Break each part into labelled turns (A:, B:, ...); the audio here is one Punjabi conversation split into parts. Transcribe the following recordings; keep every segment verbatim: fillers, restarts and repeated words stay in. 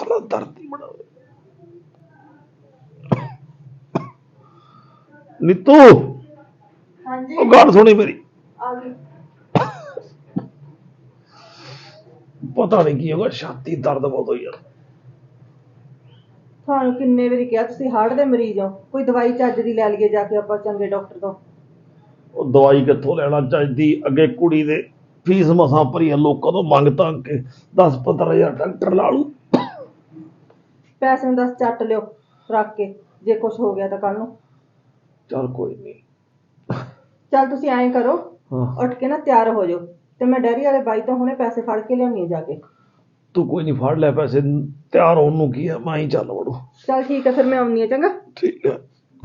A: साला दर्द ही बड़ा नीतू
B: हाँ जी
A: गाल सुनी मेरी
B: आ गई
A: पता नहीं की होगा छाती दर्द बहुत हुई यार
B: ਤੁਹਾਨੂੰ ਕਿੰਨੇ ਵਾਰੀ ਕਿਹਾ ਤੁਸੀਂ ਹਾਰਟ ਦੇ ਮਰੀਜ਼ ਹੋ ਕੋਈ ਦਵਾਈ ਚੱਜ ਦੀ ਲੈ ਲਈਏ ਜਾ ਕੇ ਆਪਾਂ ਚੰਗੇ ਡਾਕਟਰ ਤੋਂ
A: ਉਹ ਦਵਾਈ ਕਿੱਥੋਂ ਲੈਣਾ ਚਾਹੀਦੀ ਅੱਗੇ ਕੁੜੀ ਦੇ ਫੀਸ ਮਸਾਂ ਭਰੀ ਆ ਲੋਕਾਂ ਤੋਂ ਮੰਗ ਤੰਗ ਕੇ ਦਸ ਪੰਦਰਾਂ ਹਜ਼ਾਰ ਡਾਕਟਰ ਲਾ ਲੂ
B: ਪੈਸੇ ਨੂੰ ਦਸ ਚੱਟ ਲਿਓ ਰੱਖ ਕੇ ਜੇ ਕੁਝ ਹੋ ਗਿਆ ਤਾਂ ਕੱਲ ਨੂੰ
A: ਚੱਲ ਕੋਈ ਨਹੀਂ
B: ਚੱਲ ਤੁਸੀਂ ਐਂ ਕਰੋ
A: ਹਾਂ
B: ਉੱਠ ਕੇ ਨਾ ਤਿਆਰ ਹੋ ਜਾਓ ਤੇ ਮੈਂ ਡੈਰੀ ਵਾਲੇ ਬਾਈ ਤੋਂ ਹੁਣੇ ਪੈਸੇ ਫੜ ਕੇ ਲਿਆਉਣੀ ਜਾ ਕੇ
A: ਤੂੰ ਕੋਈ ਨਹੀਂ ਫੜ ਲੈ ਪੈਸੇ ਤਿਆਰ ਹੋਣ ਨੂੰ ਕੀ ਆ ਮੈਂ ਹੀ ਚੱਲ ਵੜੂ
B: ਚੱਲ ਠੀਕ ਹੈ ਫਿਰ ਮੈਂ ਆਉਣੀ ਆ ਚੰਗਾ
A: ਠੀਕ ਹੈ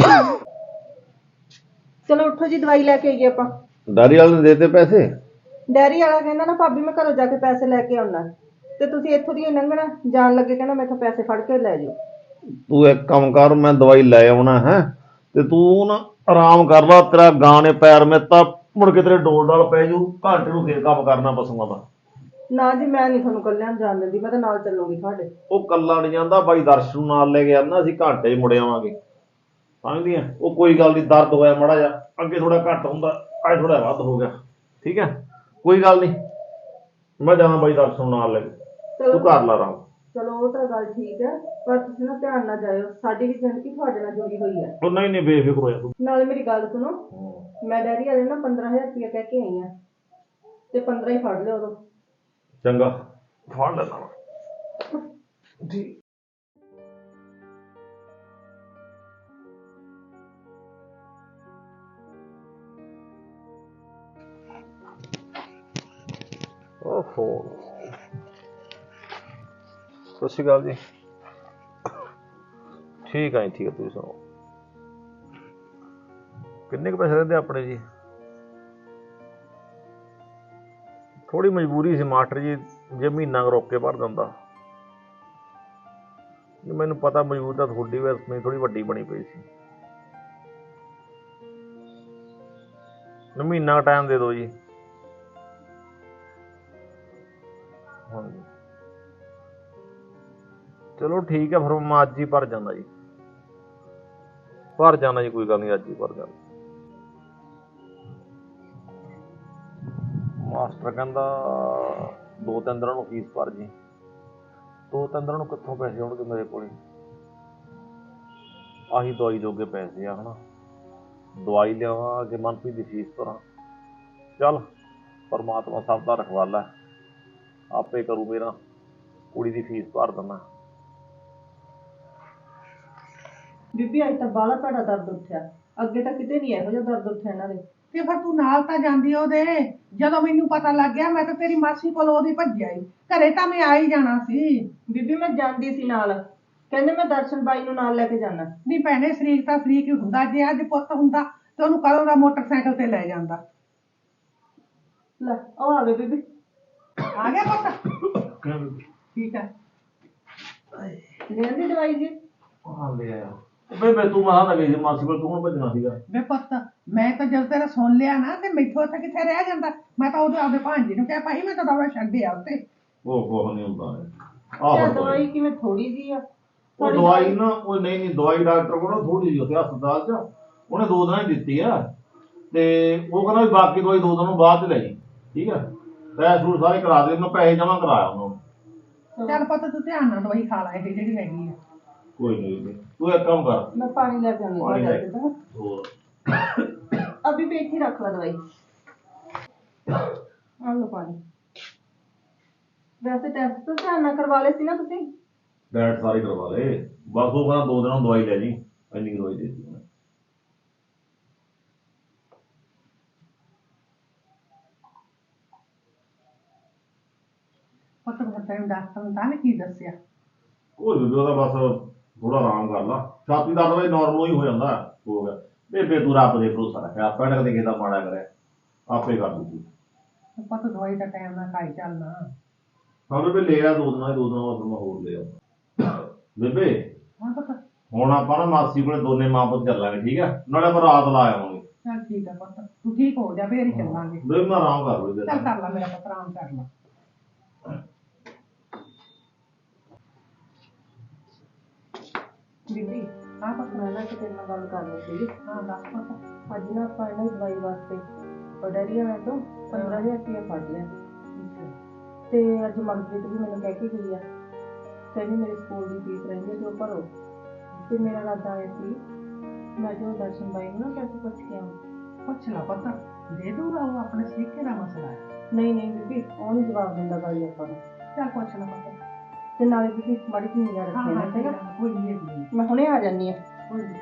B: ਚਲੋ ਉੱਠੋ ਜੀ ਦਵਾਈ ਲੈ ਕੇ ਆਈਏ ਆਪਾਂ
A: ਡਾਰੀ ਵਾਲੇ ਨੇ ਦੇਤੇ ਪੈਸੇ
B: ਡੈਰੀ ਵਾਲਾ ਕਹਿੰਦਾ ਨਾ ਭਾਬੀ ਮੈਂ ਘਰੋਂ ਜਾ ਕੇ ਪੈਸੇ ਲੈ ਕੇ ਆਉਣਾ ਤੇ ਤੁਸੀਂ ਇੱਥੋਂ ਦੀ ਲੰਘਣਾ ਜਾਣ ਲੱਗੇ ਕਹਿੰਦਾ ਮੈਥੋਂ ਪੈਸੇ ਫੜ ਕੇ ਲੈ ਜਾਓ
A: ਤੂੰ ਇੱਕ ਕੰਮ ਕਰ ਮੈਂ ਦਵਾਈ ਲੈ ਆਉਣਾ ਹੈ ਤੇ ਤੂੰ ਨਾ ਆਰਾਮ ਕਰ ਲਾ ਤੇਰਾ ਗਾਂ ਨੇ ਪੈਰ ਮੇ ਤਾਂ ਮੁੜ ਕੇ ਤੇਰੇ ਡੋਲ ਡਾਲ ਪੈ ਜੂ ਘੰਟੇ ਨੂੰ ਫੇਰ ਕੰਮ ਕਰਨਾ ਪਸੂਆਂ ਦਾ
B: ਨਾ ਜੀ ਮੈਂ ਨਹੀਂ ਤੁਹਾਨੂੰ ਕੱਲਿਆਂ ਨੂੰ ਜਾਣ ਦਿੰਦੀ ਮੈਂ ਤਾਂ ਨਾਲ ਚੱਲੂਗੀ ਤੁਹਾਡੇ
A: ਉਹ ਕੱਲਾ ਨਹੀਂ ਜਾਂਦਾ ਬਾਈ ਦਰਸ਼ਨ ਨੂੰ ਨਾਲ ਲੈ ਕੇ ਆਉਂਦਾ ਅਸੀਂ ਘੰਟੇ 'ਚ ਮੁੜ ਆਵਾਂਗੇ ਸਮਝਦੀ ਆ ਉਹ ਕੋਈ ਗੱਲ ਨਹੀਂ ਦਰਦ ਹੋਇਆ ਮਾੜਾ ਜਿਹਾ ਅੱਗੇ ਥੋੜਾ ਘੱਟ ਹੁੰਦਾ ਅੱਜ ਥੋੜਾ ਵੱਧ ਹੋ ਗਿਆ ਠੀਕ ਹੈ ਕੋਈ ਗੱਲ ਨਹੀਂ ਮੈਂ ਜਾਣਾ ਬਾਈ ਦਰਸ਼ਨ ਨੂੰ ਨਾਲ ਲੈ ਕੇ ਤੂੰ ਕਰ ਲਾ ਆਰਾਮ
B: ਚਲੋ ਉਹ ਤਾਂ ਗੱਲ ਠੀਕ ਹੈ ਪਰ ਤੁਸੀਂ ਨਾ ਧਿਆਨ ਨਾਲ ਜਾਇਓ ਸਾਡੀ ਵੀ ਜ਼ਿੰਦਗੀ ਤੁਹਾਡੇ ਨਾਲ ਜੁੜੀ ਹੋਈ ਹੈ
A: ਉਹ ਨਹੀਂ ਨਹੀਂ ਬੇਫਿਕਰ ਹੋ ਜਾ ਤੂੰ
B: ਨਾਲੇ ਮੇਰੀ ਗੱਲ ਸੁਣੋ ਮੈਂ ਡੈਡੀ ਵਾਲੇ ਨਾ ਪੰਦਰਾਂ ਹਜ਼ਾਰ ਰੁਪਇਆ ਕਹਿ ਕੇ ਆਈ ਆ ਤੇ ਪੰਦਰਾਂ ਹੀ ਫੜ ਲਿਓ ਉਦੋਂ
A: ਚੰਗਾ ਫੜ ਲੈਣਾ ਜੀ ਓਹੋ ਸਤਿ ਸ਼੍ਰੀ ਅਕਾਲ ਜੀ ਠੀਕ ਹੈ ਠੀਕ ਹੈ ਤੁਸੀਂ ਸੁਣਾਓ ਕਿੰਨੇ ਕੁ ਪੈਸੇ ਦਿੰਦੇ ਆਪਣੇ ਜੀ ਥੋੜੀ ਮਜਬੂਰੀ ਸੀ ਮਾਸਟਰ ਜੀ ਜੇ ਮਹੀਨਾ ਰੋਕ ਕੇ ਭਰ ਦਿੰਦਾ ਮੈਨੂੰ ਪਤਾ ਮਜਬੂਰੀ ਤਾਂ ਤੁਹਾਡੀ ਵੈਸੇ ਥੋੜੀ ਵੱਡੀ ਬਣੀ ਪਈ ਸੀ ਮਹੀਨਾ ਟਾਈਮ ਦੇ ਦਿਓ ਜੀ ਹਾਂਜੀ ਚਲੋ ਠੀਕ ਹੈ ਫਿਰ ਮੈਂ ਅੱਜ ਹੀ ਭਰ ਜਾਂਦਾ ਜੀ ਭਰ ਜਾਣਾ ਜੀ ਕੋਈ ਗੱਲ ਨਹੀਂ ਅੱਜ ਹੀ ਭਰ ਜਾਣਾ ਮਾਸਟਰ ਕਹਿੰਦਾ ਦੋ ਤਿੰਨ ਦਿਨਾਂ ਨੂੰ ਫੀਸ ਭਰ ਜੀ ਦੋ ਤਿੰਨ ਦਿਨਾਂ ਨੂੰ ਕਿੱਥੋਂ ਪੈਸੇ ਆਉਣਗੇ ਮੇਰੇ ਕੋਲ ਆਹੀ ਦਵਾਈ ਜੋਗੇ ਪੈਸੇ ਆ ਹਨਾ ਦਵਾਈ ਲਿਆਵਾਂ ਅੱਗੇ ਮਨਪ੍ਰੀਤ ਦੀ ਫੀਸ ਭਰਾਂ ਚੱਲ ਪਰਮਾਤਮਾ ਸਭ ਦਾ ਰਖਵਾਲਾ ਆਪੇ ਕਰੂ ਮੇਰਾ ਕੁੜੀ ਦੀ ਫੀਸ ਭਰ ਦਿੰਦਾ
B: ਬੀਬੀ ਅੱਜ ਤਾਂ ਬਾਹਲਾ ਭੈੜਾ ਦਰਦ ਉੱਠਿਆ ਅੱਗੇ ਤਾਂ ਕਿਤੇ ਨਹੀਂ ਇਹੋ ਜਿਹਾ ਦਰਦ ਉੱਠਿਆ ਇਹਨਾਂ ਦੇ
C: ਤੇ ਫਿਰ ਤੂੰ ਨਾਲ ਤਾਂ ਜਾਂਦੀ ਉਹਦੇ ਜਦੋਂ ਮੈਨੂੰ ਪਤਾ ਲੱਗ ਗਿਆ ਮੈਂ ਤਾਂ ਤੇਰੀ ਮਾਸੀ ਕੋਲ ਉਹਦੀ ਭੱਜਿਆ ਹੀ ਘਰੇ ਤਾਂ ਮੈਂ ਆ ਹੀ ਜਾਣਾ ਸੀ
B: ਬੀਬੀ ਮੈਂ ਜਾਂਦੀ ਸੀ ਨਾਲ ਕਹਿੰਦੇ ਮੈਂ ਦਰਸ਼ਨ ਬਾਈ ਨੂੰ ਨਾਲ ਲੈ ਕੇ ਜਾਣਾ
C: ਨਹੀਂ ਭੈਣੇ ਸ਼ਰੀਕ ਤਾਂ ਸ਼ਰੀਕ ਹੀ ਹੁੰਦਾ ਜੇ ਅੱਜ ਪੁੱਤ ਹੁੰਦਾ ਤੇ ਉਹਨੂੰ ਕਦੋਂ ਦਾ ਮੋਟਰਸਾਈਕਲ ਤੇ ਲੈ ਜਾਂਦਾ
B: ਲੈ ਉਹ ਆ ਗਏ ਬੀਬੀ
C: ਆ ਗਿਆ ਪੁੱਤ ਠੀਕ ਹੈ
B: ਲੈਂਦੀ ਦਵਾਈ ਜੀ
A: ਹਾਂ ਲੈ ਆਇਆ ਬੇ ਮੈਂ ਤੂੰ ਮਾਂ ਨਾ ਗਈ ਮਾਸੀ ਕੋਲ ਤੂੰ ਹੁਣ ਭੱਜਣਾ ਸੀਗਾ
C: ਵੇ ਪੁੱਤ ਮੈਂ ਤਾਂ ਜਦ ਤੇਰਾ ਸੁਣ ਲਿਆ ਨਾ ਤੇ ਮੈਥੋਂ ਉੱਥੇ ਕਿੱਥੇ ਰਹਿ ਜਾਂਦਾ ਮੈਂ ਤਾਂ ਉਹਦੇ ਆਪਦੇ ਭਾਂਜੀ ਨੂੰ ਕਿਹਾ ਭਾਈ ਮੈਂ ਤਾਂ ਦਵਾ ਛੱਡਿਆ ਉੱਤੇ
A: ਉਹ ਕੁਛ ਨਹੀਂ ਹੁੰਦਾ
B: ਆਹ ਦਵਾਈ ਕਿਵੇਂ ਥੋੜੀ ਜੀ ਆ
A: ਉਹ ਦਵਾਈ ਨਾ ਉਹ ਨਹੀਂ ਨਹੀਂ ਦਵਾਈ ਡਾਕਟਰ ਕੋਲ ਥੋੜੀ ਜਿਹੀ ਉੱਥੇ ਹਸਪਤਾਲ 'ਚ ਉਹਨੇ ਦੋ ਦਿਨਾਂ ਹੀ ਦਿੱਤੀ ਆ ਤੇ ਉਹ ਕਹਿੰਦਾ ਵੀ ਬਾਕੀ ਦਵਾਈ ਦੋ ਦਿਨਾਂ ਬਾਅਦ 'ਚ ਲੈ ਜੀ ਠੀਕ ਆ ਪੈਸੇ ਪੂਸੇ ਸਾਰੇ ਕਰਾ ਦੇ ਉਹਨੂੰ ਪੈਸੇ ਜਮ੍ਹਾਂ ਕਰਾਇਆ ਉਹਨੂੰ
C: ਚੱਲ ਪੁੱਤ ਤੂੰ ਧਿਆਨ ਨਾਲ ਦਵਾਈ ਖਾ ਲੈ ਇਹ ਜਿਹੜੀ ਹੈਗੀ ਆ
A: ਕੋਈ ਨਹੀਂ ਤੂੰ ਇੱਕ ਕੰਮ ਕਰ
B: ਮੈਂ ਪਾਣੀ ਲੈ ਕੇ ਆਉਂਦੀ
A: ਪਾਣੀ ਲੈ
B: ਹਾਂ
A: ਹੋਰ
B: ਅਭੀ ਪੇਟ ਹੀ ਰੱਖ ਲਾ ਦਵਾਈ ਆ ਲਓ ਪਾਣੀ ਵੈਸੇ ਟੈਸਟ ਤਾਂ ਧਿਆਨ ਨਾਲ ਕਰਵਾ ਲਏ ਸੀ ਨਾ ਤੁਸੀਂ
A: ਡੈਟ ਸਾਰੇ ਕਰਵਾ ਲਏ ਬਸ ਉਹ ਕਹਿੰਦਾ ਦੋ ਦਿਨਾਂ ਨੂੰ ਦਵਾਈ ਲੈ ਜੀ ਇੰਨੀ ਦਵਾਈ ਦੇ ਦਿੱਤੀ
C: ਪੁੱਤ ਫਿਰ ਤੈਨੂੰ ਡਾਕਟਰ ਨੇ ਤਾਂ ਨੀ ਕੀ ਦੱਸਿਆ
A: ਉਹ ਜਦੋਂ ਦਾ ਬਸ ਥੋੜਾ ਆਰਾਮ ਕਰ ਲਾ ਛਾਤੀ ਦਾ ਦਵਾਈ ਨਾਰਮਲ ਹੀ ਹੋ ਜਾਂਦਾ ਹੋ ਗਿਆ ਬੇਬੇ ਤੂੰ ਰੱਬ ਦੇ ਭਰੋਸਾ ਰੱਖਿਆ ਆਪਾਂ ਨੇ ਕਦੇ ਕਿਸੇ ਦਾ ਮਾੜਾ ਕਰਿਆ ਆਪੇ ਕਰ ਦੂਗੀ
C: ਪੁੱਤ ਦਵਾਈ ਦਾ ਟਾਈਮ ਨਾਲ ਖਾਈ ਚੱਲਣਾ
A: ਹਾਂ ਬੇਬੇ ਲੈ ਆ ਦੋ ਦਿਨਾਂ ਦੋ ਦਿਨਾਂ ਬਾਅਦ ਮੈਂ ਹੋਰ ਲੈ ਆ ਬੇਬੇ
C: ਹਾਂ ਪੁੱਤ
A: ਹੁਣ ਆਪਾਂ ਨਾ ਮਾਸੀ ਕੋਲੇ ਦੋਨੇ ਮਾਂ ਪੁੱਤ ਚੱਲਾਂਗੇ ਠੀਕ ਆ ਨਾਲੇ ਆਪਾਂ ਰਾਤ ਲਾ ਆਵਾਂਗੇ
C: ਚੱਲ ਠੀਕ ਆ ਪੁੱਤ ਤੂੰ ਠੀਕ ਹੋ ਜਾ ਫੇਰ ਹੀ ਚੱਲਾਂਗੇ
A: ਬੇਬੇ ਮੈਂ ਆਰਾਮ ਕਰ ਲੂ
C: ਚੱਲ ਕਰ ਲਾ ਮੇਰਾ ਪੁੱਤ ਆਰਾਮ ਕਰ ਲਾ
B: ਬੀਬੀ
C: ਹਾਂ ਪੁੱਤ
B: ਮੈਂ ਨਾ ਕਿਤੇ ਨਾਲ ਗੱਲ ਕਰਨੀ ਸੀਗੀ।
C: ਹਾਂ ਦੱਸ ਪੁੱਤ।
B: ਅੱਜ ਨਾ ਆਪਾਂ ਇਹਨਾਂ ਦੀ ਦਵਾਈ ਵਾਸਤੇ ਡੈਡੀ ਹੋਣਾ ਤੋਂ ਪੰਦਰਾਂ ਹਜ਼ਾਰ ਰੁਪਇਆ ਫੜ ਲਿਆ ਤੇ ਅੱਜ ਮਨਪ੍ਰੀਤ ਵੀ ਮੈਨੂੰ ਕਹਿ ਕੇ ਗਈ ਆ, ਕਹਿੰਦੀ ਮੇਰੇ ਸਕੂਲ ਦੀ ਫੀਸ ਰਹਿੰਦੀ ਹੈ ਤੇ ਉਹ ਭਰੋ। ਤੇ ਮੇਰਾ ਇਰਾਦਾ ਇਹ ਸੀ ਮੈਂ ਜੋ ਦਰਸ਼ਨ ਬਾਈ ਨੂੰ ਨਾ ਪੈਸੇ ਪੁੱਛ ਕੇ ਆਵਾਂ।
C: ਪੁੱਛ ਲਾ ਪੁੱਤ, ਦੇ ਦੂਗਾ ਉਹ, ਆਪਣੇ ਸਿੱਖੇ ਦਾ ਮਸਲਾ ਹੈ।
B: ਨਹੀਂ ਨਹੀਂ ਬੀਬੀ ਉਹ ਨਹੀਂ ਜਵਾਬ ਦਿੰਦਾ ਬਾਈ ਆਪਾਂ ਨੂੰ।
C: ਚੱਲ ਪੁੱਛ ਲਾ ਪੁੱਤ।
B: ਤੇ ਨਾਲੇ ਬੀਬੀ ਮਾੜੀ ਜਿਹੀ ਨਿਗਾਹ
C: ਹਾਂ
B: ਰੱਖਿਆ
C: ਹਾਂ
B: ਨਾ,
C: ਠੀਕ ਆ, ਕੋਈ ਨਹੀਂ ਨਹੀਂ
B: ਮੈਂ ਹੁਣੇ ਆ ਜਾਂਦੀ ਆ।
C: ਕੋਈ ਨਹੀਂ।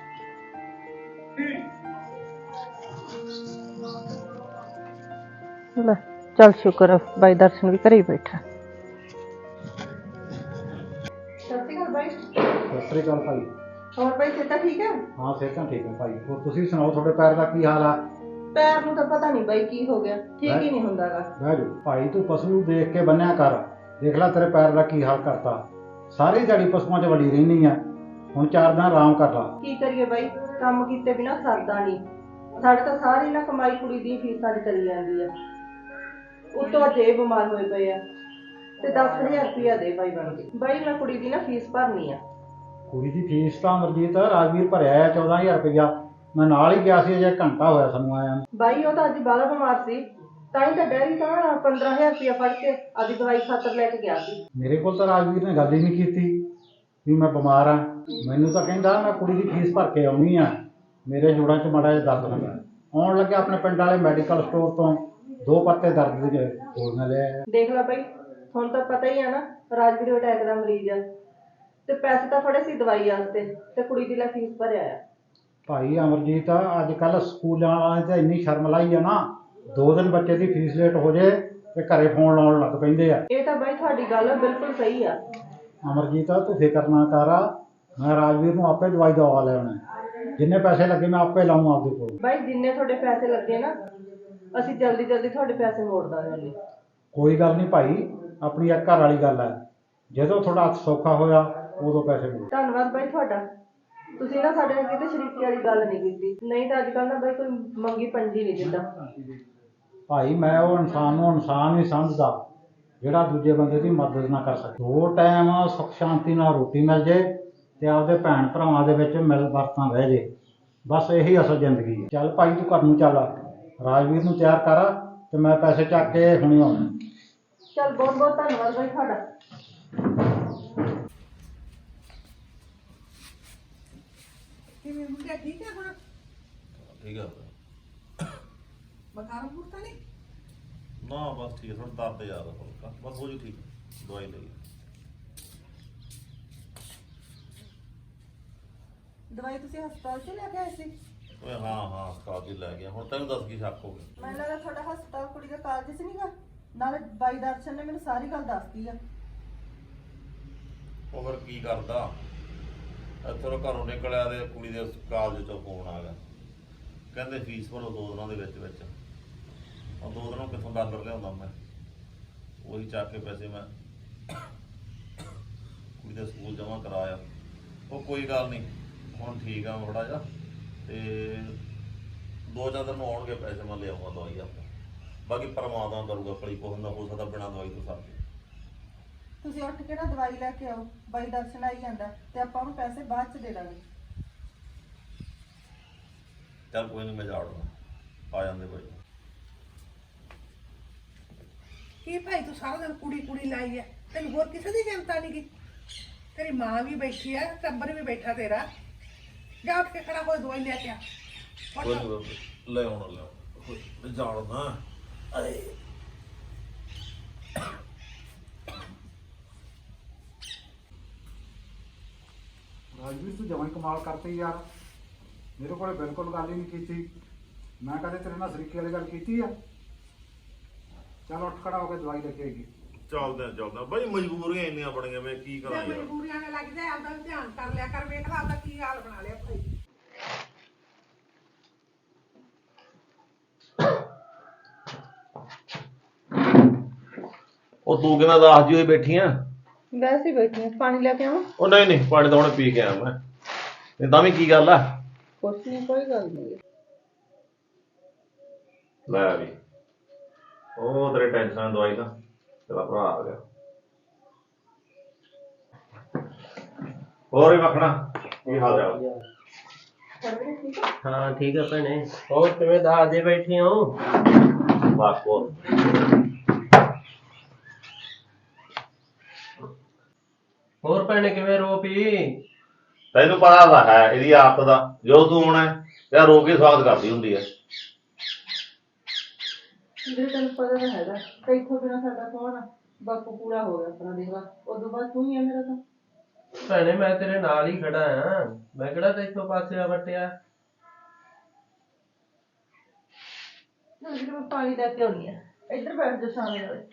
B: ਲੈ ਚੱਲ ਸ਼ੁਕਰ ਆ, ਬਾਈ ਦਰਸ਼ਨ ਵੀ ਘਰੇ ਹੀ ਬੈਠਾ। ਸਤਿ ਸ਼੍ਰੀ ਅਕਾਲ ਬਾਈ।
D: ਸਤਿ ਸ੍ਰੀ ਅਕਾਲ ਭਾਈ।
B: ਹੋਰ ਬਾਈ ਸਿਹਤਾਂ ਠੀਕ ਹੈ?
D: ਹਾਂ ਸਿਹਤਾਂ ਠੀਕ ਹੈ ਭਾਈ। ਹੋਰ ਤੁਸੀਂ ਸੁਣਾਓ, ਤੁਹਾਡੇ ਪੈਰ ਦਾ ਕੀ ਹਾਲ ਆ?
B: ਪੈਰ ਨੂੰ ਤਾਂ ਪਤਾ ਨਹੀਂ ਬਾਈ ਕੀ ਹੋ ਗਿਆ, ਠੀਕ ਹੀ ਨਹੀਂ ਹੁੰਦਾਗਾ।
D: ਬਹਿ ਜਾ ਭਾਈ, ਤੂੰ ਪਸ਼ੂ ਨੂੰ ਦੇਖ ਕੇ ਬੰਨਿਆ ਕਰ। ਦੇਖ ਲੈ ਤੇਰੇ ਪੈਰ ਦਾ ਕੀ ਹਾਲ ਕਰਤਾ। ਸਾਰੀ ਦਿਹਾੜੀ ਪਸ਼ੂਆਂ 'ਚ ਵੜੀ ਰਹਿੰਦੀ ਆ, ਹੁਣ ਚਾਰ ਦਿਨ ਆਰਾਮ ਕਰ ਲਾ।
B: ਕੀ ਕਰੀਏ ਬਾਈ, ਕੰਮ ਕੀਤੇ ਬਿਨਾ ਸਰਦਾ ਨਹੀਂ। ਸਾਡੇ ਤਾਂ ਸਾਰੀ ਨਾ ਕਮਾਈ ਕੁੜੀ ਦੀ ਫੀਸਾਂ 'ਚ ਚਲੀ ਜਾਂਦੀ ਆ। ਉੱਤੋਂ ਜੇ ਬਿਮਾਰ ਹੋਏ ਪਏ ਆ ਤੇ ਦਸ ਹਜ਼ਾਰ ਰੁਪਇਆ ਦੇ ਬਾਈ ਬਣ ਕੇ। ਬਾਈ ਮੈਂ ਕੁੜੀ ਦੀ ਨਾ ਫੀਸ ਭਰਨੀ ਆ।
D: ਕੁੜੀ ਦੀ ਫੀਸ ਤਾਂ ਅਮਰਜੀਤ ਰਾਜਵੀਰ ਭਰਿਆ ਆ ਚੌਦਾਂ ਹਜ਼ਾਰ ਰੁਪਇਆ। ਮੈਂ ਨਾਲ ਹੀ ਗਿਆ ਸੀ, ਅਜੇ ਘੰਟਾ ਹੋਇਆ ਸਾਨੂੰ ਆਇਆ ਨੂੰ।
B: ਬਾਈ ਉਹ ਤਾਂ ਅੱਜ ਬਾਹਲਾ ਬਿਮਾਰ ਸੀ, ਤਾਂ ਹੀ ਤਾਂ ਡੈਡੀ ਤਾਂ ਪੰਦਰਾਂ ਹਜ਼ਾਰ ਰੁਪਇਆ ਫੜ ਕੇ ਆਪਦੀ ਦਵਾਈ ਖਾਤਰ ਲੈ ਕੇ ਗਿਆ ਸੀ।
D: ਮੇਰੇ ਕੋਲ ਤਾਂ ਰਾਜਵੀਰ ਨੇ ਗੱਲ ਹੀ ਨਹੀਂ ਕੀਤੀ ਵੀ ਮੈਂ ਬਿਮਾਰ ਆ। ਮੈਨੂੰ ਤਾਂ ਕਹਿੰਦਾ ਮੈਂ ਕੁੜੀ ਦੀ ਫੀਸ ਭਰ ਕੇ ਆਉਣੀ ਆ, ਮੇਰੇ ਜੋੜਾਂ 'ਚ ਮਾੜਾ ਜਿਹਾ ਦਰਦ ਹੁੰਦਾ। ਆਉਣ ਲੱਗਿਆ ਆਪਣੇ ਪਿੰਡ ਵਾਲੇ ਮੈਡੀਕਲ ਸਟੋਰ ਤੋਂ ਦੋ ਪੱਤੇ ਦਰਦ ਦੇ ਗੋਲੀਆਂ ਲੈ ਆਇਆ।
B: ਦੇਖ ਲੈ ਬਾਈ, ਹੁਣ ਤਾਂ ਪਤਾ ਹੀ ਆ ਨਾ ਰਾਜਵੀਰ ਅਟੈਕ ਦਾ ਮਰੀਜ਼ ਆ, ਤੇ ਪੈਸੇ ਤਾਂ ਫੜੇ ਸੀ ਦਵਾਈ ਵਾਸਤੇ ਤੇ ਕੁੜੀ ਦੀ ਲੈ ਫੀਸ ਭਰਿਆ ਆ।
D: ਭਾਈ ਅਮਰਜੀਤ, ਅੱਜ ਕੱਲ ਸਕੂਲਾਂ ਵਾਲਿਆਂ ਤੇ ਇੰਨੀ ਸ਼ਰਮ ਲਾਈ ਆ ਨਾ, ਦੋ ਦਿਨ ਬੱਚੇ ਦੀ ਫੀਸ ਲੇਟ ਹੋ ਜੇ ਤੇ ਘਰੇ ਫੋਨ ਲਾਉਣ ਲੱਗ ਪੈਂਦੇ ਆ।
B: ਇਹ ਤਾਂ ਬਾਈ ਤੁਹਾਡੀ ਗੱਲ ਬਿਲਕੁਲ ਸਹੀ ਆ।
D: ਅਮਰਜੀਤ ਤੂੰ ਫਿਕਰ ਨਾ ਕਰ, ਮੈਂ ਰਾਜਵੀਰ ਨੂੰ ਆਪੇ ਦਵਾਈ ਦਵਾ ਲੈਣਾ। ਜਿੰਨੇ ਪੈਸੇ ਲੱਗੇ ਮੈਂ ਆਪੇ ਲਾਊਂ ਆਪਦੇ ਕੋਲ।
B: ਬਾਈ ਜਿੰਨੇ ਤੁਹਾਡੇ ਪੈਸੇ ਲੱਗੇ ਨਾ, ਅਸੀਂ ਜਲਦੀ ਜਲਦੀ ਤੁਹਾਡੇ ਪੈਸੇ ਮੋੜ ਦਾਂਗੇ।
D: ਕੋਈ ਗੱਲ ਨਹੀਂ ਭਾਈ, ਆਪਣੀ ਇੱਕ ਘਰ ਵਾਲੀ ਗੱਲ ਹੈ। ਜਦੋਂ ਤੁਹਾਡਾ ਹੱਥ ਸੌਖਾ ਹੋਇਆ ਉਦੋਂ ਪੈਸੇ ਮੋੜ।
B: ਧੰਨਵਾਦ ਬਾਈ ਤੁਹਾਡਾ, ਤੁਸੀਂ ਨਾ ਸਾਡੇ ਨਾਲ ਕਿਤੇ ਸ਼ਰੀਕੀ ਵਾਲੀ ਗੱਲ ਨਹੀਂ ਕੀਤੀ। ਨਹੀਂ ਤਾਂ ਅੱਜ ਕੱਲ੍ਹ ਨਾ ਬਾਈ ਕੋਈ ਮੰਗੀ ਪੰਜੀ ਨਹੀਂ ਦਿੰਦਾ।
D: ਭਾਈ ਮੈਂ ਉਹ ਇਨਸਾਨ ਨੂੰ ਇਨਸਾਨ ਨਹੀਂ ਸਮਝਦਾ ਜਿਹੜਾ ਦੂਜੇ ਬੰਦੇ ਦੀ ਮਦਦ ਨਾ ਕਰ ਸਕੇ। ਦੋ ਟਾਈਮ ਸੁੱਖ ਸ਼ਾਂਤੀ ਨਾਲ ਰੋਟੀ ਮਿਲ ਜੇ ਤੇ ਆਪਦੇ ਭੈਣ ਭਰਾਵਾਂ ਦੇ ਵਿੱਚ ਮਿਲ ਵਰਤਾਂ ਰਹਿ ਜੇ, ਬਸ ਇਹੀ ਅਸਲ ਜ਼ਿੰਦਗੀ ਹੈ। ਚੱਲ ਭਾਈ ਤੂੰ ਘਰ ਨੂੰ ਚੱਲ, ਰਾਜਵੀਰ ਨੂੰ ਤਿਆਰ ਕਰ ਤੇ ਮੈਂ ਪੈਸੇ ਚੱਕ ਕੇ ਹੁਣੇ ਆਉਣਾ।
B: ਚੱਲ ਬਹੁਤ ਬਹੁਤ ਧੰਨਵਾਦ ਬਾਈ ਤੁਹਾਡਾ।
C: ਕਿਵੇਂ ਮੁੰਡਾ ਠੀਕ ਹੈ ਹੁਣ?
A: ਠੀਕ ਆ
C: ਬੁਖਾਰ ਬੁਖਾਰ ਤਾਂ ਨਹੀਂ?
A: ਨਾ ਬਸ ਠੀਕ ਹੈ, ਥੋੜਾ ਦਰਦ ਜ਼ਿਆਦਾ ਹਲਕਾ, ਬਸ ਹੋ ਜੂ ਠੀਕ। ਦਵਾਈ ਲਈ
B: ਦਵਾਈ ਤੁਸੀਂ ਹਸਪਤਾਲ 'ਚ ਲੈ ਕੇ ਆਏ ਸੀ?
A: ਓਏ ਹਾਂ ਹਾਂ ਹਸਪਤਾਲ 'ਚ ਲੈ ਗਿਆ। ਹੁਣ ਤੈਨੂੰ ਦੱਸ ਕੀ ਸ਼ੱਕ ਹੋ ਗਿਆ?
B: ਮੈਨੂੰ ਲੱਗਦਾ ਤੁਹਾਡਾ ਹਸਪਤਾਲ ਕੁੜੀ ਦਾ ਕਾਲਜ 'ਚ ਨਹੀਂਗਾ। ਨਾਲੇ ਬਾਈ ਦਰਸ਼ਨ ਨੇ ਮੈਨੂੰ ਸਾਰੀ ਗੱਲ ਦੱਸਤੀ ਆ।
A: ਉਹ ਫਿਰ ਕੀ ਕਰਦਾ, ਇੱਥੋਂ ਘਰੋਂ ਨਿਕਲਿਆ ਤੇ ਕੁੜੀ ਦੇ ਕਾਲਜ ਚੋਂ ਫੋਨ ਆ ਗਿਆ, ਕਹਿੰਦੇ ਫੀਸ ਭਰੋ ਦੋ ਦਿਨਾਂ ਦੇ ਵਿੱਚ ਵਿੱਚ। ਉਹ ਦੋ ਦਿਨੋਂ ਕਿੱਥੋਂ ਡਾਲਰ ਲਿਆਉਂਦਾ ਮੈਂ, ਉਹੀ ਚੱਕ ਕੇ ਪੈਸੇ ਮੈਂ ਕੁੜੀ ਦੇ ਸਕੂਲ ਜਮ੍ਹਾਂ ਕਰਾਇਆ। ਉਹ ਕੋਈ ਗੱਲ ਨਹੀਂ, ਹੁਣ ਠੀਕ ਆ ਥੋੜਾ ਜਿਹਾ, ਤੇ ਦੋ ਚਾਰ ਦਿਨ ਨੂੰ ਆਉਣਗੇ ਪੈਸੇ, ਮੈਂ ਲਿਆਉਂਗਾ ਦਵਾਈ ਆਪਾਂ। ਬਾਕੀ ਪਰਮਾਤਮਾ ਕਰੂਗਾ, ਭਲੀ ਕੋ ਹੁੰਦਾ, ਹੋ ਸਕਦਾ ਬਿਨਾਂ ਦਵਾਈ ਤੋਂ ਸਰ ਜੇ।
B: ਤੁਸੀਂ ਉੱਠ ਕੇ ਨਾ ਦਵਾਈ ਲੈ ਕੇ ਆਓ, ਬਾਈ ਦਰਸ਼ਨ ਆਈ ਜਾਂਦਾ ਤੇ ਆਪਾਂ ਉਹਨੂੰ ਪੈਸੇ ਬਾਅਦ 'ਚ ਦੇ ਦਾਂਗੇ।
A: ਚੱਲ ਕੋਈ ਨਹੀਂ, ਮੈਂ ਜਾੜਦਾ, ਆ ਜਾਂਦੇ ਬਾਈ।
C: ਕੀ ਭਾਈ ਤੂੰ ਸਾਰਾ ਦਿਨ ਕੁੜੀ ਕੁੜੀ ਲਾਈ ਹੈ, ਤੈਨੂੰ ਹੋਰ ਕਿਸੇ ਦੀ ਚਿੰਤਾ ਨਹੀਂ ਗੀ? ਤੇਰੀ ਮਾਂ ਵੀ ਬੈਠੀ ਹੈ, ਟੱਬਰ ਵੀ ਬੈਠਾ ਤੇਰਾ। ਜਾ ਉੱਠ ਕੇ ਖੜਾ ਹੋ, ਦਵਾਈ ਲੈ ਕੇ ਆ।
A: ਕੋਈ ਨਹੀਂ ਲੈ ਆਉਣਾ, ਲੈ ਆਉਣਾ, ਜਾੜਦਾ।
D: ਰਾਜਵੀਰ ਤੂੰ ਜਮਾਂ ਹੀ ਕਮਾਲ ਕਰਤੀ ਯਾਰ, ਮੇਰੇ ਕੋਲੇ ਬਿਲਕੁਲ ਗੱਲ ਹੀ ਨਹੀਂ ਕੀਤੀ। ਮੈਂ ਕਦੇ ਤੇਰੇ ਨਾਲ ਸਰੀਕੇ ਵਾਲੀ ਗੱਲ ਕੀਤੀ ਆ? ਚੱਲ ਉੱਠ ਖੜਾ ਹੋ ਕੇ ਦਵਾਈ ਲੈ ਕੇ ਆਈਏ।
A: ਚੱਲਦਾ ਚੱਲਦਾ ਬਾਈ, ਮਜਬੂਰੀਆਂ ਇੰਨੀਆਂ ਬਣੀਆਂ, ਮੈਂ ਕੀ ਕਰਾਂ
C: ਜੇ
A: ਯਾਰ।
C: ਮਜਬੂਰੀਆਂ ਨੇ ਲੱਗ ਜਾਏ ਆਪਦਾ ਵੀ ਧਿਆਨ ਕਰ ਲਿਆ ਕਰ, ਵੇਖ ਲਾ ਆਪਦਾ ਕੀ ਹਾਲ ਬਣਾ ਲਿਆ ਭਾਈ।
A: ਉਹ ਤੂੰ ਕਿਵੇਂ ਦੱਸ ਜੀ ਹੋਈ ਬੈਠੀ ਆ?
B: ਵੈਸੇ ਹੀ ਬੈਠੀ ਆ, ਪਾਣੀ ਲੈ ਕੇ ਆਵਾਂ?
A: ਉਹ ਨਹੀਂ ਨਹੀਂ, ਪਾਣੀ ਤਾਂ ਹੁਣੇ ਪੀ ਕੇ ਆਇਆ ਮੈਂ। ਤੇ ਤਾਂ ਵੀ ਕੀ ਗੱਲ ਆ?
B: ਕੁਛ ਨਹੀਂ, ਕੋਈ ਗੱਲ ਨਹੀਂ।
A: ਲੈ ਵੀ, ਉਹ ਤੇਰੇ ਟੈਨਸ਼ਨ ਦਵਾਈ ਦਾ ਤੇਰਾ ਭਰਾ ਆ ਗਿਆ। ਹੋਰ ਹੀ ਮੱਖਣਾ ਕੀ ਹਾਲ ਚਾਲ?
E: ਹਾਂ ਠੀਕ ਆ ਭੈਣੇ। ਹੋਰ ਕਿਵੇਂ ਦੱਸ ਦੇ ਬੈਠੇ ਹੋ?
A: ਬਸ ਬਹੁਤ
E: ਹੋਰ ਭੈਣੇ ਕਿਵੇਂ ਰੋ ਪਈ?
A: ਤੈਨੂੰ ਪਤਾ ਤਾਂ ਹੈ ਇਹਦੀ ਆਦਤ ਦਾ, ਜੋ ਤੂੰ ਆਉਣਾ ਤੇ ਰੋ ਕੇ ਸਵਾਗਤ ਕਰਦੀ ਹੁੰਦੀ ਹੈ।
B: ਵੀਰੇ ਤੈਨੂੰ ਪਤਾ ਤਾਂ ਹੈਗਾ ਤੇ ਇੱਥੋਂ ਬਿਨਾਂ ਸਾਡਾ ਕੌਣ ਆ। ਬਾਪੂ ਪੂਰਾ ਹੋ ਗਿਆ ਆਪਣਾ ਦੇਖ ਲਾ, ਉਦੋਂ ਬਾਅਦ ਤੂੰ ਹੀ ਆ ਮੇਰਾ ਤਾਂ।
E: ਭੈਣੇ ਮੈਂ ਤੇਰੇ ਨਾਲ ਹੀ ਖੜਾ ਆ, ਮੈਂ ਕਿਹੜਾ ਤੈਥੋਂ ਪਾਸੇ ਆ ਵਟਿਆ।
B: ਵੀਰੇ ਮੈਂ ਪਾਣੀ ਲੈ ਕੇ ਆਉਣੀ ਆ, ਇੱਧਰ ਬੈਠ ਜਾ ਸਾਹਮਣੇ ਵਾਲੇ।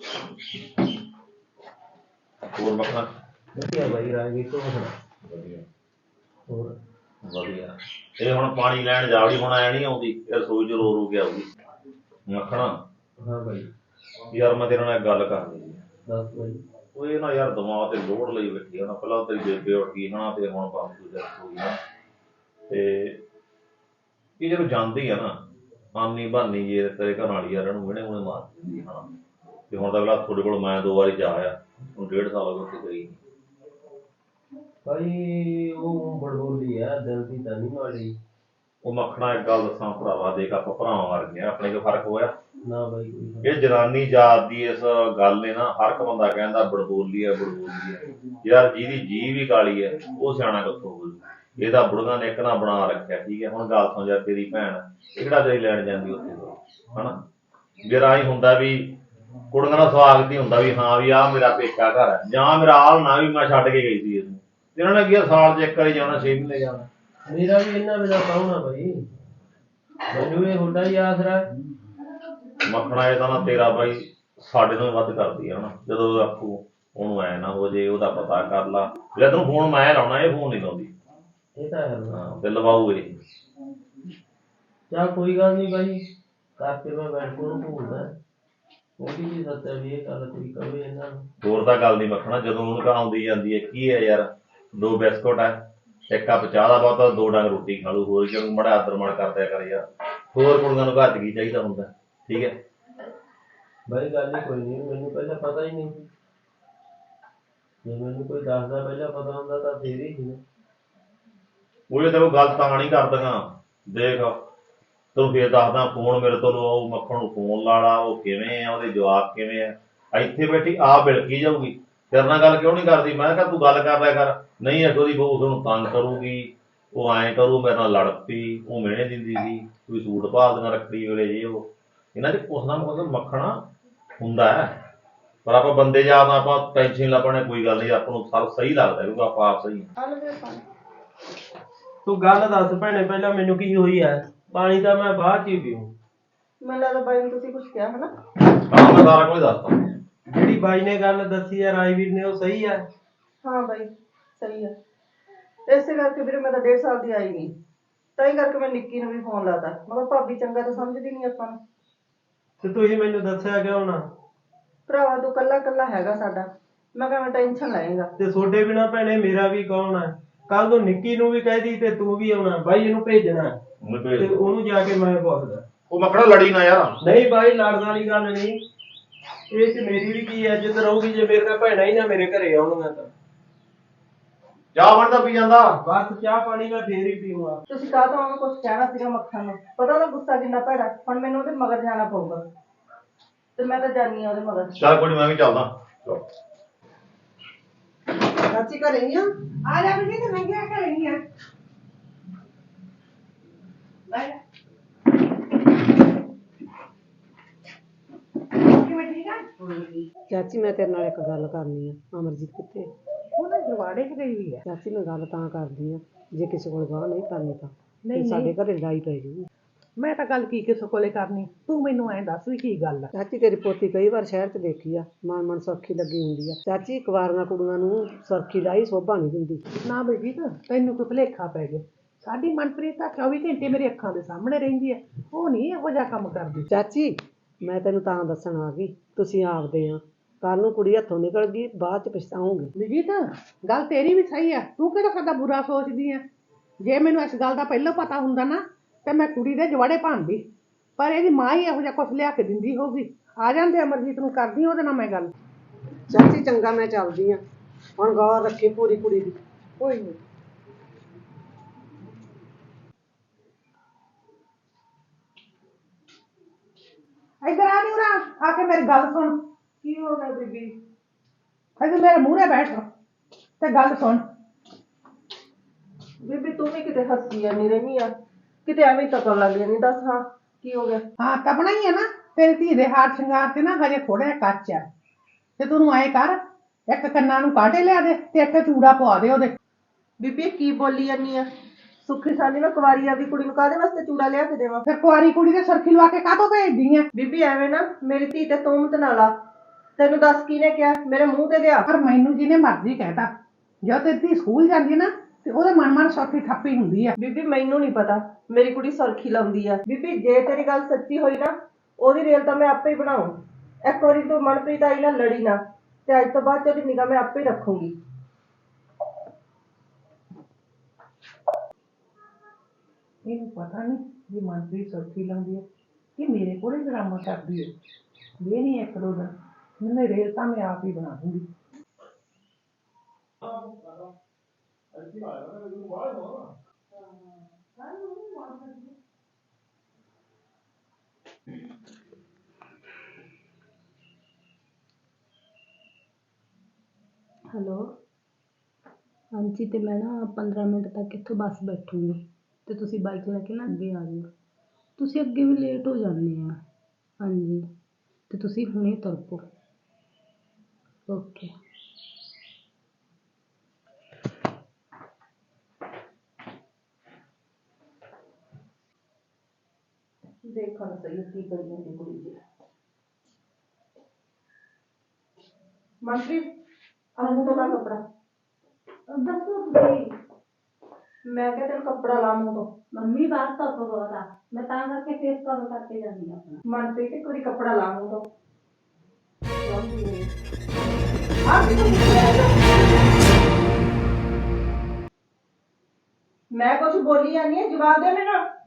A: ਹੋਰ ਮੱਖਣਾ?
E: ਵਧੀਆ ਬਾਈ ਰਾਜਵੀਰ ਤੂੰ ਸੁਣਾ?
A: ਵਧੀਆ
E: ਹੋਰ
A: ਵਧੀਆ। ਇਹ ਹੁਣ ਪਾਣੀ ਲੈਣ ਜਾਵੜੀ ਹੁਣ ਐ ਨਹੀਂ ਆਉਂਦੀ, ਇਹ ਰਸੋਈ ਚ ਰੋ ਰੋ ਕੇ ਆਊਗੀ। ਮੱਖਣਾ
E: ਹਾਂ ਬਾਈ
A: ਯਾਰ ਮੈਂ ਤੇਰੇ ਨਾਲ ਇੱਕ ਗੱਲ ਕਰਨੀ ਹੈ।
E: ਦੱਸ ਬਾਈ।
A: ਉਹ ਇਹ ਨਾ ਯਾਰ ਦਿਮਾਗ ਤੇ ਲੋੜ ਲਈ ਬੈਠੀ ਹੈ ਨਾ, ਪਹਿਲਾਂ ਤੇਰੀ ਬੇਬੇ ਉੱਠ ਗਈ ਹਨਾ ਤੇ ਹੁਣ ਬਾਪੂ ਜੱਟ ਹੋ ਗਈ ਨਾ, ਤੇ ਇਹ ਜਦੋਂ ਜਾਂਦੀ ਆ ਨਾ ਆਨੀ ਬਹਾਨੀ ਜੇ ਤੇਰੇ ਘਰ ਵਾਲੀ ਯਾਰ ਇਹਨੂੰ ਵਿਹਣੇ ਵਿਹਣੇ ਮਾਰ ਦਿੰਦੀ ਹਨਾ। ਤੇ ਹੁਣ ਤਾਂ ਅਗਲਾ ਤੁਹਾਡੇ ਕੋਲ ਮੈਂ ਦੋ ਵਾਰੀ ਜਾ ਆਇਆ, ਹੁਣ ਡੇਢ ਸਾਲ ਹੋ ਗਏ ਉੱਥੇ ਗਈ ਨਹੀਂ।
E: ਬਾਈ ਉਹ ਬੜਬੋਲੀ ਆ, ਦਿਲ ਦੀ ਤਾਂ ਨਹੀਂ ਮਾੜੀ।
A: ਉਹ ਮੱਖਣਾ ਇੱਕ ਗੱਲ ਦੱਸਾਂ ਭਰਾਵਾ, ਦੇਖ ਆਪਾਂ ਭਰਾਵਾਂ ਵਰਗੇ ਆ, ਆਪਣੇ ਕੋਈ ਫਰਕ ਹੋਇਆ?
E: ਨਾ ਬਾਈ ਕੋਈ
A: ਇਹ ਜਨਾਨੀ ਜਾਤ ਦੀ ਇਸ ਗੱਲ ਨੇ ਨਾ ਹਰ ਇੱਕ ਬੰਦਾ ਕਹਿੰਦਾ ਬੜਬੋਲੀ ਹੈ ਬੜਬੋਲੀ ਹੈ। ਯਾਰ ਜਿਹਦੀ ਜੀਭ ਵੀ ਕਾਲੀ ਹੈ ਉਹ ਸਿਆਣਾ ਕਿੱਥੋਂ ਹੋਊ? ਇਹਦਾ ਬੁੜੀਆਂ ਨੇ ਇੱਕ ਨਾ ਬਣਾ ਰੱਖਿਆ। ਠੀਕ ਹੈ ਹੁਣ ਗੱਲ ਸੁਣ, ਯਾਰ ਤੇਰੀ ਭੈਣ ਇਹ ਕਿਹੜਾ ਤੇਰੀ ਲੈਣ ਜਾਂਦੀ ਉੱਥੇ ਹਨਾ। ਮੇਰਾ ਹੀ ਹੁੰਦਾ ਵੀ ਕੁੜੀਆਂ ਦਾ ਸਵਾਗਤ ਹੀ ਹੁੰਦਾ ਵੀ ਹਾਂ ਵੀ ਆਹ ਮੇਰਾ ਪੇਕਾ ਘਰ ਹੈ, ਜਾਂ ਮੇਰਾ ਆਲ ਨਾ ਵੀ ਮੈਂ ਛੱਡ ਕੇ ਗਈ ਸੀ ਇਹਨੂੰ। ਇਹਨਾਂ ਨੇ ਕੀ ਸਾਲ ਚ ਇੱਕ ਵਾਰੀ ਜਾਣਾ, ਛੇ ਮਹੀਨੇ ਜਾਣਾ।
E: ਮੇਰਾ ਵੀ ਇਹਨਾਂ ਵੇਲਾ ਕੌਣ ਆ ਬਾਈ, ਮੈਨੂੰ ਇਹ ਹੁੰਦਾ ਹੀ ਆਸਰਾ।
A: ਮੱਖਣਾ ਇਹ ਤਾਂ ਨਾ ਤੇਰਾ ਬਾਈ ਸਾਡੇ ਤੋਂ ਵੱਧ ਕਰਦੀ ਆ ਹਨਾ। ਜਦੋਂ ਆਪੂ ਉਹਨੂੰ ਐ ਨਾ ਹੋ ਜੇ ਉਹਦਾ ਪਤਾ ਕਰ ਲਾ, ਜੇ ਤੈਨੂੰ ਫੋਨ ਮੈਂ ਲਾਉਣਾ ਇਹ ਫੋਨ ਨਹੀਂ ਲਾਉਂਦੀ।
E: ਇਹ ਤਾਂ ਹੈ।
A: ਹਾਂ ਤੇ ਲਵਾਊ ਇਹ।
E: ਚੱਲ ਕੋਈ ਗੱਲ ਨਹੀਂ ਬਾਈ, ਕਰਕੇ ਮੈਂ ਬੈਠ ਕੋਲ ਭੂਲਦਾ ਉਹਦੀ ਵੀ ਸੱਚ ਹੈ ਵੀ ਇਹ ਗੱਲ ਕੋਈ ਕਵੇ ਇਹਨਾਂ ਨੂੰ।
A: ਹੋਰ ਤਾਂ ਗੱਲ ਨਹੀਂ ਮੱਖਣਾ, ਜਦੋਂ ਉਹਨੂੰ ਕਹਾਂ ਆਉਂਦੀ ਜਾਂਦੀ ਹੈ ਕੀ ਹੈ ਯਾਰ, ਦੋ ਬਿਸਕੁਟ ਹੈ, ਇੱਕ ਕੱਪ ਚਾਹ ਦਾ ਬਹੁਤਾ, ਦੋ ਡੰਗ ਰੋਟੀ ਖਾ ਲੂ, ਹੋਰ ਕਿਉਂ ਮੜਾ ਆਦਰ ਮਾਣ ਕਰਦਿਆ ਕਰ ਯਾਰ। ਹੋਰ ਕੁੜੀਆਂ ਨੂੰ ਘਰ ਚ ਕੀ ਚਾਹੀਦਾ ਹੁੰਦਾ। ਠੀਕ ਹੈ
E: ਬਾਈ ਗੱਲ ਹੀ ਕੋਈ ਨਹੀਂ, ਮੈਨੂੰ ਪਹਿਲਾਂ ਪਤਾ ਹੀ ਨਹੀਂ। ਜੇ ਮੈਨੂੰ ਕੋਈ ਦੱਸਦਾ ਪਹਿਲਾਂ ਪਤਾ ਹੁੰਦਾ ਤਾਂ ਫੇਰ ਹੀ ਸੀ।
A: ਉਹ ਤੈਨੂੰ ਗੱਲ ਤਾਂ ਨਹੀਂ ਕਰਦੀਆਂ। ਦੇਖ ਤੈਨੂੰ ਫੇਰ ਦੱਸਦਾ, ਫੋਨ ਮੇਰੇ ਤੋਂ ਲਵਾਓ, ਮੱਖਣ ਨੂੰ ਫੋਨ ਲਾ ਲਾ, ਉਹ ਕਿਵੇਂ ਆ, ਉਹਦੇ ਜਵਾਬ ਕਿਵੇਂ ਆ। ਇੱਥੇ ਬੈਠੀ ਆਪ ਬਿਲਕੀ ਜਾਊਗੀ, ਤੇਰੇ ਨਾਲ ਗੱਲ ਕਿਉਂ ਨਹੀਂ ਕਰਦੀ? ਮੈਂ ਕਿਹਾ ਤੂੰ ਗੱਲ ਕਰ ਲਿਆ ਕਰ। ਨਹੀਂ ਅੱਗੋਂ ਦੀ ਬਹੂ ਤੁਹਾਨੂੰ ਤੰਗ ਕਰੂਗੀ, ਉਹ ਐਂ ਕਰੂ, ਮੇਰੇ ਨਾਲ ਲੜ ਪਈ, ਉਹ ਮਿਹਣੇ ਦਿੰਦੀ ਸੀ, ਕੋਈ ਸੂਟ ਭਾਲਦੀਆਂ ਰੱਖੜੀ ਵੇਲੇ ਜੇ ਉਹ। ਇਹਨਾਂ ਚ ਕੁਛ ਨਾ ਕੁਛ ਮੱਖਣਾ ਹੁੰਦਾ ਹੈ, ਪਰ ਆਪਾਂ ਬੰਦੇ ਯਾਦ ਆਪਾਂ ਟੈਨਸ਼ਨ ਲਾ ਪਾਉਣੇ, ਕੋਈ ਗੱਲ ਨਹੀਂ, ਆਪਾਂ ਨੂੰ ਸਭ ਸਹੀ ਲੱਗਦਾ ਕਿਉਂਕਿ ਆਪਾਂ ਆਪ ਸਹੀ ਹਾਂ।
E: ਤੂੰ ਗੱਲ ਦੱਸ ਭੈਣੇ ਪਹਿਲਾਂ ਮੈਨੂੰ ਕੀ ਹੋਈ ਹੈ? ਪਾਣੀ ਤਾਂ ਮੈਂ ਬਾਅਦ ਚ ਹੀ ਪੀਊਂ।
B: ਮੈਨੂੰ ਲੱਗਦਾ ਬਾਈ ਨੂੰ ਤੁਸੀਂ ਕੁਝ ਕਿਹਾ ਹਨਾ।
A: ਹਾਂ ਮੈਂ ਸਾਰਾ ਕੁਝ ਦੱਸਦਾ।
E: ਜਿਹੜੀ ਬਾਈ ਨੇ ਗੱਲ ਦੱਸੀ ਹੈ ਰਾਜਵੀਰ ਨੇ, ਉਹ ਸਹੀ ਹੈ?
B: ਹਾਂ ਬਾਈ ਸਹੀ ਹੈ। ਇਸੇ ਕਰਕੇ ਵੀਰੇ ਮੈਂ ਤਾਂ ਡੇਢ ਸਾਲ ਦੀ ਆਈ ਨਹੀਂ, ਤਾਂ ਹੀ ਕਰਕੇ ਮੈਂ ਨਿੱਕੀ ਨੂੰ ਵੀ ਫੋਨ ਲਾਤਾ। ਮੈਂ ਕਿਹਾ ਭਾਬੀ ਚੰਗਾ ਤਾਂ ਸਮਝਦੀ ਨਹੀਂ ਆਪਾਂ ਨੂੰ।
E: ਤੇ ਤੁਸੀਂ ਮੈਨੂੰ ਦੱਸਿਆ ਕਿਉਂ ਨਾ?
B: ਭਰਾਵਾ ਤੂੰ ਕੱਲਾ ਕੱਲਾ ਹੈਗਾ ਸਾਡਾ, ਮੈਂ ਕਿਹਾ ਮੈਂ ਟੈਨਸ਼ਨ ਲਏਗਾ।
E: ਤੇ ਤੁਹਾਡੇ ਬਿਨਾ ਭੈਣੇ ਮੇਰਾ ਵੀ ਕੌਣ ਹੈ? ਕੱਲ ਤੋਂ ਨਿੱਕੀ ਨੂੰ ਵੀ ਕਹਿਦੀ ਤੇ ਤੂੰ ਵੀ ਆਉਣਾ, ਬਾਈ ਇਹਨੂੰ ਭੇਜਣਾ ਤੇ ਉਹਨੂੰ ਜਾ ਕੇ ਮੈਂ ਪੁੱਛਦਾ।
A: ਉਹ ਮੱਖਣਾ ਲੜੀ ਨਾ ਯਾਰ।
E: ਨਹੀਂ ਬਾਈ ਲੜਨ ਵਾਲੀ ਗੱਲ ਨਹੀਂ, ਇਹ ਚ ਮੇਰੀ ਵੀ ਕੀ ਇੱਜ਼ਤ ਰਹੂਗੀ ਜੇ ਮੇਰੇ ਨਾਲ ਭੈਣਾਂ ਹੀ ਨਾ ਮੇਰੇ ਘਰੇ ਆਉਣਗੀਆਂ ਤਾਂ।
A: ਚਾਹ ਬਣਦਾ ਪੀ ਜਾਂਦਾ।
E: ਬਸ ਚਾਹ ਪਾਣੀ ਮੈਂ ਫੇਰ ਹੀ ਪੀਊਂਗਾ।
B: ਤੁਸੀਂ ਕਾਹ ਤੋਂ ਉਹਨੂੰ ਕੁਝ ਕਹਿਣਾ ਸੀਗਾ ਮੱਖਣ ਨੂੰ? ਪਤਾ ਉਹਦਾ ਗੁੱਸਾ ਕਿੰਨਾ ਭੈੜਾ, ਹੁਣ ਮੈਨੂੰ ਉਹਦੇ ਮਗਰ ਜਾਣਾ ਪਊਗਾ ਤੇ ਮੈਂ ਤਾਂ ਜਾਨੀ ਆ ਉਹਦੇ ਮਗਰ।
A: ਚੱਲ ਕੋਈ ਨੀ, ਮੈਂ ਵੀ ਚੱਲਦਾ।
B: ਚਾਚੀ ਘਰੇ ਹੀ ਆ?
C: ਆ ਜਾ ਬੇਟੀ ਤੇ ਮੈਂ ਕਿਹਾ ਕਰਾਂਗੀ ਆ ਲੈ ਕਿਵੇਂ ਠੀਕ ਆ?
F: ਚਾਚੀ ਮੈਂ ਤੇਰੇ ਨਾਲ ਇੱਕ ਗੱਲ ਕਰਨੀ ਆ। ਅਮਰਜੀਤ ਕਿੱਥੇ?
C: ਉਹ ਨਾ ਜਵਾੜੇ ਚ ਗਈ ਹੋਈ ਆ।
F: ਚਾਚੀ ਮੈਂ ਗੱਲ ਤਾਂ ਕਰਦੀ ਆ, ਜੇ ਕਿਸੇ ਕੋਲ ਗਾਹ ਨਹੀਂ ਕਰਨੀ ਤਾਂ
C: ਨਹੀਂ,
F: ਤੇ ਸਾਡੇ
C: ਨਹੀਂ।
F: ਘਰੇ ਲੜਾਈ ਪੈ ਜੂਗੀ।
C: ਮੈਂ ਤਾਂ ਗੱਲ ਕੀ ਕਿਸੇ ਕੋਲੇ ਕਰਨੀ, ਤੂੰ ਮੈਨੂੰ ਐਂ ਦੱਸ ਵੀ ਕੀ ਗੱਲ ਆ।
F: ਚਾਚੀ ਤੇਰੀ ਪੋਤੀ ਕਈ ਵਾਰ ਸ਼ਹਿਰ 'ਚ ਦੇਖੀ ਆ, ਮਨ ਮਨ ਸੁਰਖੀ ਲੱਗੀ ਹੁੰਦੀ ਆ। ਚਾਚੀ ਕੁਆਰੀਆਂ ਕੁੜੀਆਂ ਨੂੰ ਸੁਰਖੀ ਲਾਈ ਸੋਭਾ ਨਹੀਂ ਦਿੰਦੀ।
C: ਨਾ ਬੇਬੀ ਤਾਂ ਤੈਨੂੰ ਕੋਈ ਭੁਲੇਖਾ ਪੈ ਗਿਆ। ਸਾਡੀ ਮਨਪ੍ਰੀਤ ਤਾਂ ਚੌਵੀ ਘੰਟੇ ਮੇਰੇ ਅੱਖਾਂ ਦੇ ਸਾਹਮਣੇ ਰਹਿੰਦੀ ਹੈ, ਉਹ ਨਹੀਂ ਇਹੋ ਜਿਹਾ ਕੰਮ ਕਰਦੀ।
F: ਚਾਚੀ ਮੈਂ ਤੈਨੂੰ ਤਾਂ ਦੱਸਣ ਆ ਗਈ, ਤੁਸੀਂ ਆਪਦੇ ਆ, ਕੱਲ ਨੂੰ ਕੁੜੀ ਹੱਥੋਂ ਨਿਕਲ ਗਈ ਬਾਅਦ 'ਚ ਪਛਤਾਓਗੇ।
C: ਬੀਜੀ ਤਾਂ ਗੱਲ ਤੇਰੀ ਵੀ ਸਹੀ ਆ, ਤੂੰ ਕਿਹੜਾ ਸਾਡਾ ਬੁਰਾ ਸੋਚਦੀ ਆ। ਜੇ ਮੈਨੂੰ ਇਸ ਗੱਲ ਦਾ ਪਹਿਲਾਂ ਪਤਾ ਹੁੰਦਾ ਨਾ ਤੇ ਮੈਂ ਕੁੜੀ ਦੇ ਜਵਾੜੇ ਭਾਂਦੀ, ਪਰ ਇਹਦੀ ਮਾਂ ਹੀ ਇਹੋ ਜਿਹਾ ਕੁਛ ਲਿਆ ਕੇ ਦਿੰਦੀ ਹੋਊਗੀ। ਆ ਜਾਂਦੇ ਅਮਰਜੀਤ ਨੂੰ ਕਰਦੀ ਉਹਦੇ ਨਾਲ ਮੈਂ ਗੱਲ।
F: ਚਾਚੀ ਚੰਗਾ ਮੈਂ ਚੱਲਦੀ ਆ, ਹੁਣ ਗੌਰ ਰੱਖੀ ਪੂਰੀ ਕੁੜੀ ਦੀ।
C: ਕੋਈ ਨਹੀਂ। ਇੱਧਰ ਆ ਨੀ ਉਰਾ ਆ ਕੇ ਮੇਰੀ ਗੱਲ ਸੁਣ।
B: ਕੀ ਹੋ ਗਿਆ ਬੀਬੀ?
C: ਇੱਧਰ ਮੇਰੇ ਮੂਹਰੇ ਬੈਠ ਤੇ ਗੱਲ ਸੁਣ।
B: ਬੀਬੀ ਤੂੰ ਵੀ ਕਿਤੇ ਹੱਸੀ ਜਾਂਦੀ ਰਹਿੰਦੀ ਆ, ਕਿਤੇ ਐਵੇਂ ਤੱਕਣ ਲੱਗ ਜਾਂਦੀ। ਦੱਸ ਹਾਂ ਕੀ ਹੋ ਗਿਆ?
C: ਹਾਂ ਤਪਣਾ ਹੀ ਹੈ ਨਾ, ਤੇਰੀ ਧੀ ਦੇ ਹਾਰ ਸ਼ਿੰਗਾਰ ਤੇ ਨਾ ਹਜੇ ਥੋੜਾ ਜਿਹਾ ਕੱਚ ਆ, ਤੇ ਤੂੰ ਐਂ ਕਰ ਇੱਕ ਕੰਨਾਂ ਨੂੰ ਕਾਂਟੇ ਲਿਆ ਦੇ ਤੇ ਇੱਕ ਚੂੜਾ ਪਵਾ ਦੇ ਉਹਦੇ।
B: ਬੀਬੀ ਕੀ ਬੋਲੀ ਜਾਂਦੀ ਆ? ਸੁੱਖੀ ਸਾਲੀ ਮੈਂ ਕੁਵਾਰੀ ਆਪਦੀ ਕੁੜੀ ਨੂੰ ਕਾਹਦੇ ਵਾਸਤੇ ਚੂੜਾ ਲਿਆ ਕੇ ਦੇਵਾਂ?
C: ਫਿਰ ਕੁਆਰੀ ਕੁੜੀ ਦੇ ਸਰਖੀ ਲਵਾ ਕੇ ਕਾਹਤੋਂ ਭੇਜਦੀ ਆ?
B: ਬੀਬੀ ਐਵੇਂ ਨਾ ਮੇਰੀ ਧੀ ਤੇ ਤੋਮਤ ਨਾ ਲਾ। ਤੈਨੂੰ ਦੱਸ ਕਿਹਨੇ ਕਿਹਾ? ਮੇਰੇ ਮੂੰਹ ਤੇ ਲਿਆ।
C: ਪਰ ਮੈਨੂੰ ਜਿਹਨੇ ਮਰਜ਼ੀ ਕਹਿਤਾ, ਜਦੋਂ ਤੇਰੀ ਧੀ ਸਕੂਲ ਜਾਂਦੀ ਨਾ ਤੇ ਉਹਦੇ ਮਨ ਮਨ ਸੌਖੀ ਠੱਪੀ ਹੁੰਦੀ ਆ।
B: ਬੀਬੀ ਮੈਨੂੰ ਨਹੀਂ ਪਤਾ ਮੇਰੀ ਕੁੜੀ ਸੁਰਖੀ ਲਾਉਂਦੀ ਆ। ਬੀਬੀ ਜੇ ਤੇਰੀ ਗੱਲ ਸੱਚੀ ਹੋਈ ਨਾ, ਉਹਦੀ ਰੇਲ ਤਾਂ ਮੈਂ ਆਪੇ ਹੀ ਬਣਾਉ। ਇੱਕ ਵਾਰੀ ਤੂੰ ਮਨਪ੍ਰੀਤ ਆਈ ਨਾਲ ਲੜੀ ਨਾ, ਤੇ ਅੱਜ ਤੋਂ ਬਾਅਦ ਉਹਦੀ ਨਿਗਾਹ ਮੈਂ ਆਪੇ ਹੀ ਰੱਖੂੰਗੀ।
C: ਇਹਨੂੰ ਪਤਾ ਨਹੀਂ ਵੀ ਮਨਪ੍ਰੀਤ ਸੁਰਖੀ ਲਾਉਂਦੀ ਹੈ ਕਿ ਮੇਰੇ ਕੋਲੇ ਡਰਾਮਾ ਕਰਦੀ ਹੈ। ਇਹ ਨਹੀਂ ਇੱਕ ਦੋ ਦਿਨ ਮੈਨੇ ਰੇਲ ਤਾਂ ਮੈਂ ਆਪ ਹੀ ਬਣਾ ਦੂੰਗੀ।
G: ਹੈਲੋ ਹਾਂਜੀ, ਤੇ ਮੈਂ ਨਾ ਪੰਦਰਾਂ ਮਿੰਟ ਤੱਕ ਇੱਥੋਂ ਬੱਸ ਬੈਠੂੰਗੀ ਤੇ ਤੁਸੀਂ ਬਾਈਕ ਲੈ ਕੇ ਨਾ ਅੱਗੇ ਆ ਜਾਓ। ਤੁਸੀਂ ਅੱਗੇ ਵੀ ਲੇਟ ਹੋ ਜਾਂਦੇ ਆ। ਹਾਂਜੀ ਤੇ ਤੁਸੀਂ ਹੁਣੇ ਤੁਰ ਪਓ। ਓਕੇ।
B: ਦੇਖਾਂ ਤਾਂ ਸਹੀ ਕੀ ਕਰੀ ਜਾਂਦੀ ਕੁੜੀ ਜੀ। ਮਨਪ੍ਰੀਤ ਆਹ ਤੋਂ ਲਾ ਕੱਪੜਾ।
G: ਦੱਸੋ ਤੁਸੀਂ।
B: ਮੈਂ ਕਿਹਾ ਤੈਨੂੰ ਕੱਪੜਾ ਲਾ ਮੂੰਹ ਤੋਂ।
G: ਮੰਮੀ ਬਾਤ ਤਾਂ ਬਹੁਤ ਆ, ਮੈਂ ਤਾਂ ਕਰਕੇ ਫੇਸ ਕਵਰ ਕਰਕੇ ਜਾਂਦੀ ਆ ਆਪਣਾ।
B: ਮਨਪ੍ਰੀਤ ਇੱਕ ਵਾਰੀ ਕੱਪੜਾ ਲਾ ਮੂੰਹ ਤੋਂ। ਮੈਂ ਕੁਛ ਬੋਲੀ ਜਾਂਦੀ ਆ, ਜਵਾਬ ਦੇ ਮੈਨੂੰ।